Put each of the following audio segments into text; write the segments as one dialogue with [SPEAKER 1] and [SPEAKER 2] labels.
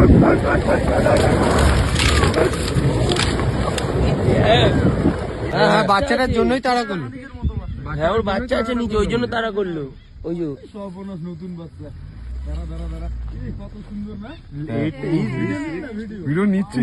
[SPEAKER 1] হ্যাঁ, বাচ্চাটার জন্যই তাড়া করলো।
[SPEAKER 2] হ্যাঁ, ওর বাচ্চা আছে নিচে, ওই জন্য তাড়া করলো। ওই যে
[SPEAKER 3] সর্বনাশ, নতুন বাচ্চা। দাঁড়া কত সুন্দর না
[SPEAKER 4] ভিডিও নিচ্ছি।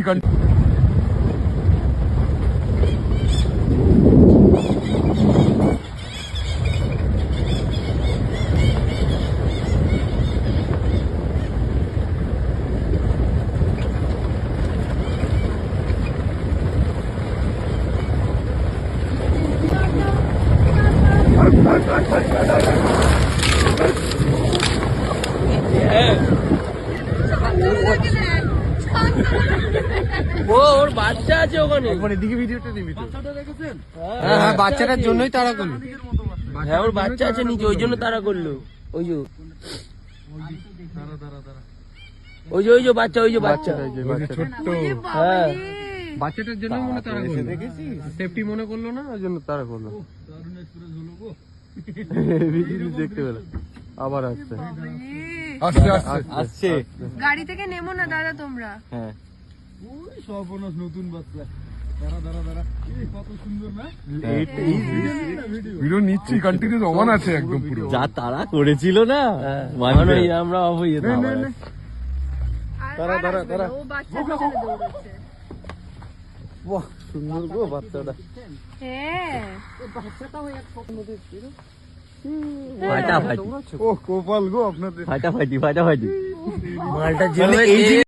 [SPEAKER 2] ওর বাচ্চা আছে ওখানে।
[SPEAKER 1] এদিকে ভিডিওটা নিবি তো?
[SPEAKER 3] বাচ্চাটা দেখেছেন?
[SPEAKER 1] হ্যাঁ, বাচ্চাটার জন্যই তাড়া করলো।
[SPEAKER 2] হ্যাঁ, ওর বাচ্চা আছে নিচে, ওই জন্য তাড়া করলো। ওই যে ওই যে বাচ্চা, ওই যে বাচ্চা
[SPEAKER 1] ছোট্ট।
[SPEAKER 2] হ্যাঁ,
[SPEAKER 1] বাচ্চাটার জন্য মনে তাড়া করলো। সেফটি মনে করলো না, ওই জন্য তাড়া করলো।
[SPEAKER 3] দারুণ এক্সপ্রেস হলো গো।
[SPEAKER 1] ভিডিও দেখতে পেলো। আবার আসছে
[SPEAKER 4] আসছে
[SPEAKER 1] আসছে।
[SPEAKER 5] গাড়ি থেকে নেমো না দাদা তোমরা।
[SPEAKER 1] হ্যাঁ,
[SPEAKER 3] ওই সর্বনাশ, নতুন বাচ্চা। দাঁড়া কত সুন্দর না
[SPEAKER 4] ভিডিও নিচ্ছি, কন্টিনিউ অন আছে একদম পুরো।
[SPEAKER 1] যা তাড়া করেছিল না,
[SPEAKER 2] মানে আমরা অফ হয়ে যেতাম।
[SPEAKER 1] দাঁড়া।
[SPEAKER 5] ও বাচ্চা পিছনে দৌড়াচ্ছে।
[SPEAKER 1] বাহ, সুন্দর গো বাচ্চাটা।
[SPEAKER 5] হ্যাঁ,
[SPEAKER 2] ফাটাফাটি
[SPEAKER 4] ও কোপাল গো আপনাদের।
[SPEAKER 2] ফাটাফাটি
[SPEAKER 1] মালটা যেভাবে